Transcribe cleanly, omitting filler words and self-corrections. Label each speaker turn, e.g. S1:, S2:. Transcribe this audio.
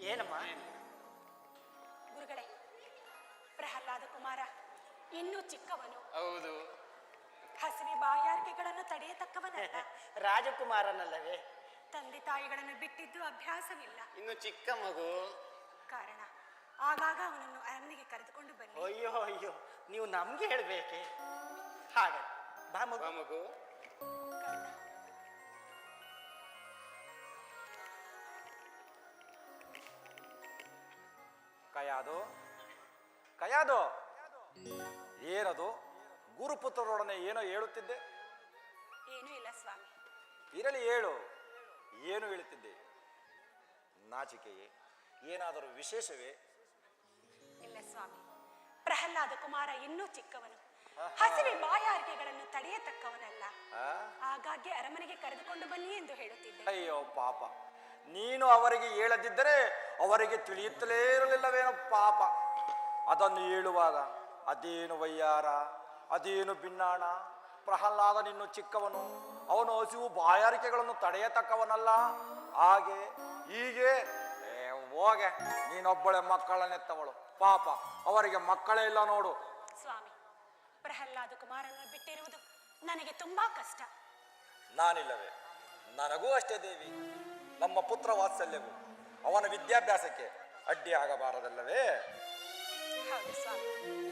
S1: ಏನಮ್ಮ?
S2: ಗುರುಗಳೇ, ಪ್ರಹ್ಲಾದ ಕುಮಾರ ಇನ್ನೂ ಚಿಕ್ಕವನು.
S3: ಹೌದು.
S2: ಹಸಿವೆ ಬಾಯಾರಿಕೆಗಳನ್ನು ತಡೆಯತಕ್ಕವನಲ್ಲ.
S1: ರಾಜಕುಮಾರನಲ್ಲವೇ?
S2: ತಂದೆ ತಾಯಿಗಳನ್ನು ಬಿಟ್ಟಿದ್ದು ಅಭ್ಯಾಸವಿಲ್ಲ.
S3: ಇನ್ನು ಚಿಕ್ಕ ಮಗು.
S2: ಕಾರಣ ಆಗಾಗ ಅವನನ್ನು ಅರಮನೆಗೆ ಕರೆದುಕೊಂಡು ಬನ್ನಿ.
S1: ಅಯ್ಯೋ ಅಯ್ಯೋ, ನೀವು ನಮ್ಗೆ ಹೇಳ್ಬೇಕೆ? ಹಾಗೆ ಬಾ ಮಗು.
S3: ಮಗು.
S4: ಕಯಾದು ಕಯಾದು, ಏನದು? ಗುರುಪುತ್ರರೊಡನೆ ಏನೋ ಹೇಳುತ್ತಿದ್ದೆ?
S2: ಏನೂ ಇಲ್ಲ ಸ್ವಾಮಿ.
S4: ಇರಲಿ, ಹೇಳು. ಏನು ಹೇಳುತ್ತಿದ್ದೆ? ನಾಚಿಕೆಯೇ? ಏನಾದರೂ ವಿಶೇಷವೇ?
S2: ಇಲ್ಲ ಸ್ವಾಮಿ, ಪ್ರಹ್ಲಾದ ಕುಮಾರ ಇನ್ನೂ ಚಿಕ್ಕವನು. ಹಸಿವೆ ಬಾಯಾರಿಕೆಗಳನ್ನು ತಡೆಯತಕ್ಕವನಲ್ಲ. ಆಗಾಗ್ಗೆ ಅರಮನೆಗೆ ಕರೆದುಕೊಂಡು ಬನ್ನಿ ಎಂದು ಹೇಳುತ್ತಿದ್ದೆ.
S4: ಅಯ್ಯೋ ಪಾಪ, ನೀನು ಅವರಿಗೆ ಹೇಳದಿದ್ದರೆ ಅವರಿಗೆ ತಿಳಿಯುತ್ತಲೇ ಇರಲಿಲ್ಲವೇನೋ ಪಾಪ. ಅದನ್ನು ಹೇಳುವಾಗ ಅದೇನು ವಯ್ಯಾರ, ಅದೇನು ಭಿನ್ನಾಣ. ಪ್ರಹ್ಲಾದ ನಿನ್ನು ಚಿಕ್ಕವನು, ಅವನು ಹಸಿವು ಬಾಯಾರಿಕೆಗಳನ್ನು ತಡೆಯತಕ್ಕವನಲ್ಲ. ಹಾಗೆ ಹೀಗೆ ಹೋಗೆ, ನೀನೊಬ್ಬಳೆ ಮಕ್ಕಳನ್ನೆತ್ತವಳು. ಪಾಪ, ಅವರಿಗೆ ಮಕ್ಕಳೇ ಇಲ್ಲ ನೋಡು.
S2: ಸ್ವಾಮಿ, ಪ್ರಹ್ಲಾದ ಕುಮಾರನ್ನು ಬಿಟ್ಟಿರುವುದು ನನಗೆ ತುಂಬಾ ಕಷ್ಟ.
S4: ನಾನಿಲ್ಲವೇ? ನನಗೂ ಅಷ್ಟೇ ದೇವಿ. ನಮ್ಮ ಪುತ್ರ ವಾತ್ಸಲ್ಯವು ಅವನ ವಿದ್ಯಾಭ್ಯಾಸಕ್ಕೆ ಅಡ್ಡಿ ಆಗಬಾರದಲ್ಲವೇ?
S2: ಹೌದು ಸ್ವಾಮಿ.